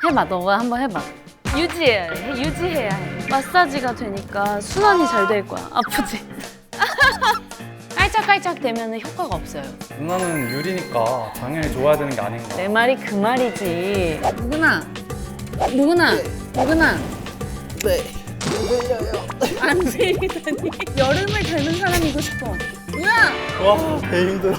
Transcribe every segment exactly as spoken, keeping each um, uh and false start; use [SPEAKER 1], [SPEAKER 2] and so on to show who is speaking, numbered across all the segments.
[SPEAKER 1] 해봐, 너가 한번 해봐. 유지해야 해, 유지해야 해. 마사지가 되니까 순환이 잘 될 거야. 아프지? 깔짝깔짝 되면 효과가 없어요.
[SPEAKER 2] 누나는 유리니까 당연히 좋아야 되는 게 아닌가.
[SPEAKER 1] 내 말이 그 말이지. 누구나, 누구나, 누구나.
[SPEAKER 2] 네.
[SPEAKER 1] 안 들리다니. 여름을 닮은 사람이고 싶어. 뭐야?
[SPEAKER 2] 와, 개 힘들어.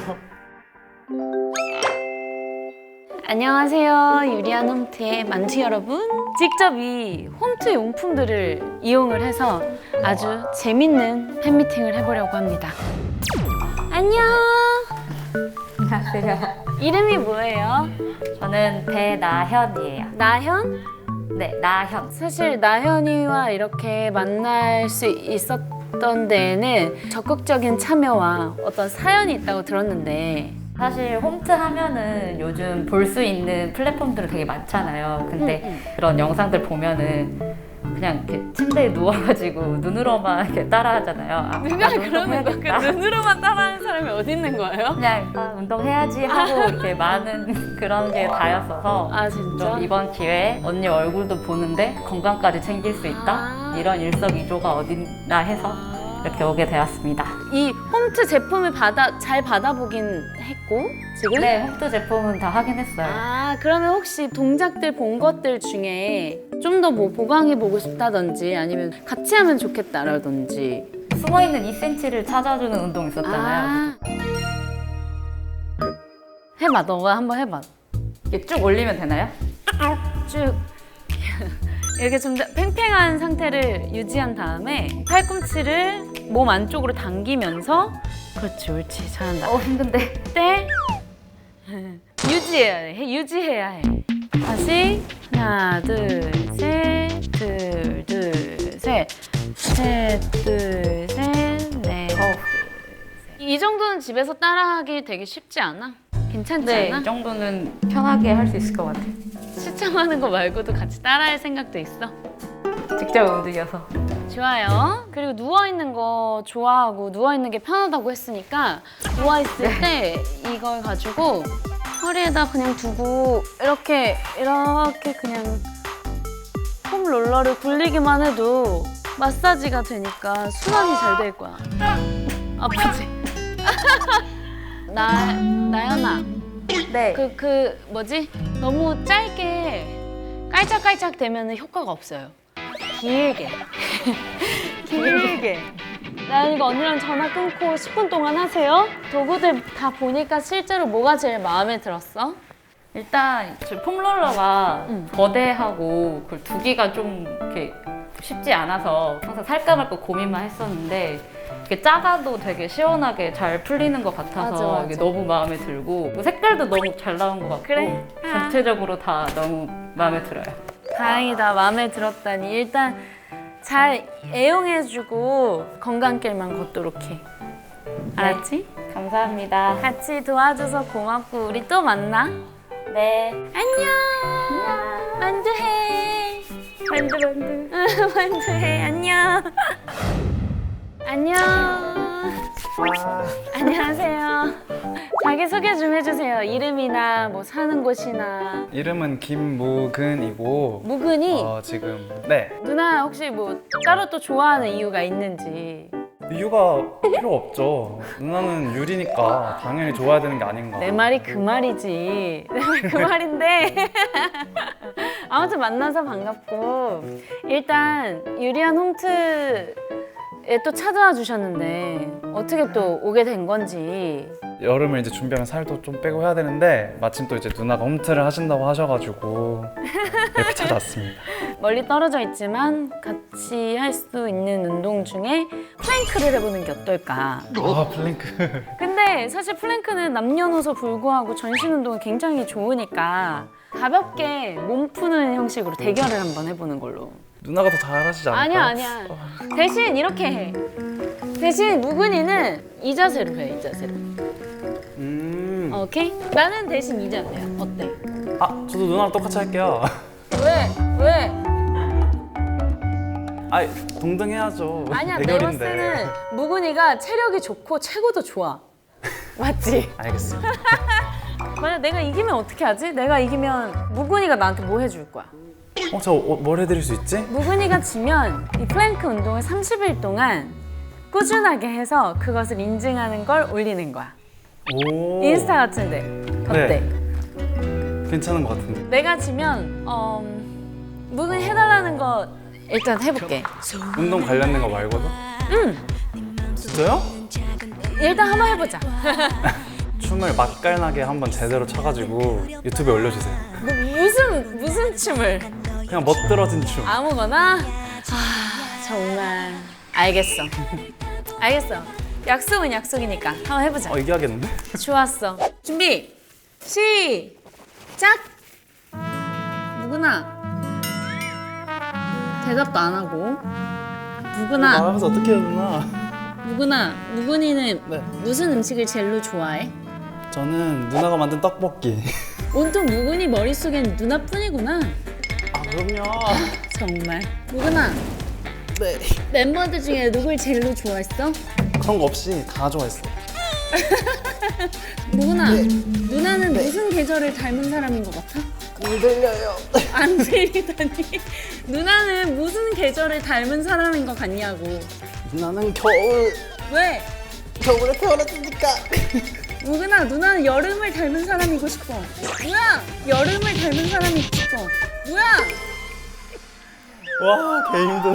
[SPEAKER 1] 안녕하세요. 유리한 홈트의 만투 여러분. 직접 이 홈트 용품들을 이용을 해서 아주 재밌는 팬미팅을 해보려고 합니다. 안녕.
[SPEAKER 3] 안녕하세요.
[SPEAKER 1] 이름이 뭐예요?
[SPEAKER 3] 저는 배나현이에요.
[SPEAKER 1] 나현?
[SPEAKER 3] 네, 나현.
[SPEAKER 1] 사실 나현이와 이렇게 만날 수 있었던 데에는 적극적인 참여와 어떤 사연이 있다고 들었는데
[SPEAKER 3] 사실 홈트 하면은 요즘 볼 수 있는 플랫폼들이 되게 많잖아요. 근데
[SPEAKER 1] 음, 음.
[SPEAKER 3] 그런 영상들 보면은 그냥 이렇게 침대에 누워가지고 눈으로만 이렇게 따라하잖아요. 아,
[SPEAKER 1] 누가
[SPEAKER 3] 나도
[SPEAKER 1] 그러는 거야?
[SPEAKER 3] 운동해야겠다.
[SPEAKER 1] 그 눈으로만 따라하는 사람이 어디 있는 거예요?
[SPEAKER 3] 그냥 아, 운동해야지 하고 이렇게 많은 그런 게 다였어서
[SPEAKER 1] 아 진짜?
[SPEAKER 3] 좀 이번 기회에 언니 얼굴도 보는데 건강까지 챙길 수 있다?
[SPEAKER 1] 아.
[SPEAKER 3] 이런 일석이조가 어딨나 해서 이렇게 오게 되었습니다.
[SPEAKER 1] 이 홈트 제품을 받아 잘 받아보긴 했고 지금?
[SPEAKER 3] 네, 홈트 제품은 다 확인했어요.
[SPEAKER 1] 아 그러면 혹시 동작들 본 것들 중에 좀 더 뭐 보강해보고 싶다든지 아니면 같이 하면 좋겠다라든지
[SPEAKER 3] 숨어있는 이 센티미터를 찾아주는 운동 있었잖아요.
[SPEAKER 1] 아. 해봐 너가 한번 해봐
[SPEAKER 3] 이게 쭉 올리면 되나요?
[SPEAKER 1] 쭉 이렇게 좀 팽팽한 상태를 유지한 다음에 팔꿈치를 몸 안쪽으로 당기면서 그렇지 옳지 잘한다
[SPEAKER 3] 어, 힘든데.
[SPEAKER 1] 때 유지해야 해 유지해야 해 다시 하나 둘셋둘둘셋셋둘셋넷
[SPEAKER 3] 어.
[SPEAKER 1] 이 정도는 집에서 따라하기 되게 쉽지 않아? 괜찮지
[SPEAKER 3] 네,
[SPEAKER 1] 않아?
[SPEAKER 3] 이 정도는 편하게 할 수 있을 것 같아요.
[SPEAKER 1] 시청하는 거 말고도 같이 따라할 생각도 있어?
[SPEAKER 3] 직접 움직여서.
[SPEAKER 1] 좋아요. 그리고 누워있는 거 좋아하고 누워있는 게 편하다고 했으니까 누워있을 때 이걸 가지고 허리에다 그냥 두고 이렇게 이렇게 그냥 폼 롤러를 굴리기만 해도 마사지가 되니까 순환이 잘 될 거야. 아프지? 나, 나연아.
[SPEAKER 3] 네.
[SPEAKER 1] 그, 그 뭐지? 너무 짧게 깔짝깔짝 되면 효과가 없어요. 길게. 길게. 나연이가 언니랑 전화 끊고 십 분 동안 하세요. 도구들 다 보니까 실제로 뭐가 제일 마음에 들었어?
[SPEAKER 3] 일단 저 폼롤러가
[SPEAKER 1] 응.
[SPEAKER 3] 거대하고 그걸 두기가 좀 이렇게 쉽지 않아서 항상 살까 말까 고민만 했었는데 이렇게 작아도 되게 시원하게 잘 풀리는 것 같아서
[SPEAKER 1] 맞아, 맞아.
[SPEAKER 3] 이게 너무 마음에 들고 또 색깔도 너무 잘 나온 것 같고
[SPEAKER 1] 그래? 아.
[SPEAKER 3] 전체적으로 다 너무 마음에 들어요.
[SPEAKER 1] 다행이다. 마음에 들었다니. 일단 잘 애용해주고 건강길만 걷도록 해. 알았지?
[SPEAKER 3] 감사합니다.
[SPEAKER 1] 같이 도와줘서 고맙고 우리 또 만나.
[SPEAKER 3] 네.
[SPEAKER 1] 안녕. 만두해.
[SPEAKER 3] 만두 만두.
[SPEAKER 1] 만두해. 안녕. 안녕. 안녕하세요. 자기 소개 좀 해주세요. 이름이나 뭐 사는 곳이나.
[SPEAKER 2] 이름은 김무근이고
[SPEAKER 1] 무근이
[SPEAKER 2] 어, 지금 네.
[SPEAKER 1] 누나 혹시 뭐 따로 또 좋아하는 이유가 있는지.
[SPEAKER 2] 이유가 필요 없죠. 누나는 유리니까 당연히 좋아야 되는 게 아닌가.
[SPEAKER 1] 내 말이 그 말이지. 내 말 그 말인데. 아무튼 만나서 반갑고 일단 유리한 홈트에 또 찾아와 주셨는데 어떻게 또 오게 된 건지.
[SPEAKER 2] 여름을 이제 준비하면 살도 좀 빼고 해야 되는데 마침 또 이제 누나가 홈트를 하신다고 하셔가지고 이렇게 찾아왔습니다.
[SPEAKER 1] 멀리 떨어져 있지만 같이 할 수 있는 운동 중에 플랭크를 해보는 게 어떨까.
[SPEAKER 2] 아 플랭크.
[SPEAKER 1] 근데 사실 플랭크는 남녀노소 불구하고 전신 운동이 굉장히 좋으니까 가볍게 몸 푸는 형식으로 대결을 한번 해보는 걸로.
[SPEAKER 2] 누나가 더 잘하시지 않을까?
[SPEAKER 1] 아니야 아니야. 대신 이렇게 해. 대신 무근이는 이 자세로 해. 이 자세로.
[SPEAKER 2] 음.
[SPEAKER 1] 오케이? 나는 대신 이 자세야. 어때?
[SPEAKER 2] 아 저도 누나랑 똑같이 할게요.
[SPEAKER 1] 왜? 왜?
[SPEAKER 2] 아 동등해야죠.
[SPEAKER 1] 아니야 내가 봤을
[SPEAKER 2] 대결인데.
[SPEAKER 1] 때는 무근이가 체력이 좋고 체구도 좋아. 맞지?
[SPEAKER 2] 알겠습니다.
[SPEAKER 1] 만약 내가 이기면 어떻게 하지? 내가 이기면 무근이가 나한테 뭐 해줄 거야?
[SPEAKER 2] 어, 저 뭘 해드릴 수 있지?
[SPEAKER 1] 무근이가 지면 이 플랭크 운동을 삼십 일 동안 꾸준하게 해서 그것을 인증하는 걸 올리는 거야.
[SPEAKER 2] 오.
[SPEAKER 1] 인스타 같은데. 어때?
[SPEAKER 2] 네. 괜찮은 것 같은데.
[SPEAKER 1] 내가 지면 어, 무근이 해달라는 거 일단 해볼게.
[SPEAKER 2] 운동 관련된 거 말고도?
[SPEAKER 1] 응.
[SPEAKER 2] 진짜요?
[SPEAKER 1] 일단 한번 해보자.
[SPEAKER 2] 춤을 맛깔나게 한번 제대로 춰가지고 유튜브에 올려주세요.
[SPEAKER 1] 뭐, 무슨 무슨 춤을?
[SPEAKER 2] 그냥 멋들어진 춤.
[SPEAKER 1] 아무거나? 아 정말 알겠어. 알겠어. 약속은 약속이니까 한번 해보자.
[SPEAKER 2] 어, 이겨야겠는데?
[SPEAKER 1] 좋았어. 준비 시작. 무근아 대답도 안 하고. 무근아
[SPEAKER 2] 말하면서 어떻게 해야 되나?
[SPEAKER 1] 무근아 무근이는
[SPEAKER 2] 네.
[SPEAKER 1] 무슨 음식을 제일로 좋아해?
[SPEAKER 2] 저는 누나가 만든 떡볶이.
[SPEAKER 1] 온통 무근이 머릿속엔 누나뿐이구나.
[SPEAKER 2] 아, 그럼요.
[SPEAKER 1] 정말. 무근아
[SPEAKER 2] 네.
[SPEAKER 1] 멤버들 중에 누굴 제일로 좋아했어?
[SPEAKER 2] 그런 거 없이 다 좋아했어요.
[SPEAKER 1] 무근아 누나는 무슨 계절을 닮은 사람인 것 같아?
[SPEAKER 2] 안 들려요.
[SPEAKER 1] 안 들리다니. 누나는 무슨 계절을 닮은 사람인 것 같냐고.
[SPEAKER 2] 누나는 겨울.
[SPEAKER 1] 왜?
[SPEAKER 2] 겨울에 태어났으니까.
[SPEAKER 1] 무근아 누나는 여름을 닮은 사람이고 싶어. 뭐야? 여름을 닮은 사람이고 싶어. 뭐야?
[SPEAKER 2] 와, 개 힘들어.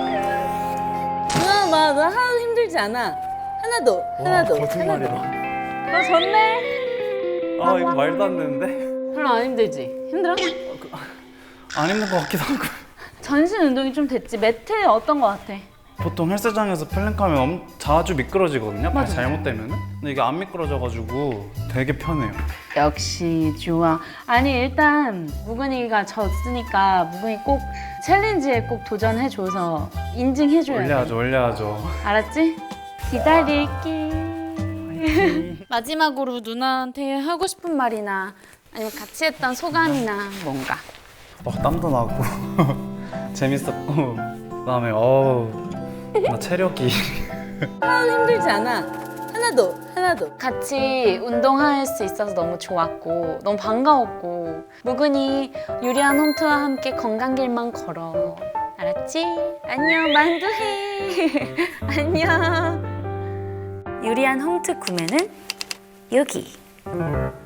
[SPEAKER 1] 누나 나, 나 하나도 힘들지 않아. 하나도 하나도
[SPEAKER 2] 와, 거짓말이다.
[SPEAKER 1] 하나도. 너 졌네.
[SPEAKER 2] 아, 이거 말도 안 되는데?
[SPEAKER 1] 별로 안 힘들지? 힘들어?
[SPEAKER 2] 안 힘든 것 같기도 하고.
[SPEAKER 1] 전신 운동이 좀 됐지. 매트 어떤 거 같아?
[SPEAKER 2] 보통 헬스장에서 플랭크하면 엄, 자주 미끄러지거든요. 발
[SPEAKER 1] 맞아.
[SPEAKER 2] 잘못되면은. 근데 이게 안 미끄러져가지고 되게 편해요.
[SPEAKER 1] 역시 좋아. 아니 일단 무근이가 졌으니까 무근이 꼭 챌린지에 꼭 도전해줘서 인증해줘야 돼.
[SPEAKER 2] 올려야죠, 올려야죠.
[SPEAKER 1] 알았지? 기다릴게. 마지막으로 누나한테 하고 싶은 말이나 아니면 같이 했던 소감이나 뭔가.
[SPEAKER 2] 어, 땀도 나고 재밌었고 그다음에 어우 나 체력이
[SPEAKER 1] 하나도 힘들지 않아. 하나도 하나도. 같이 운동할 수 있어서 너무 좋았고 너무 반가웠고 무근이 유리한 홈트와 함께 건강길만 걸어. 알았지? 안녕 만두해. 안녕. 유리한 홈트 구매는 여기.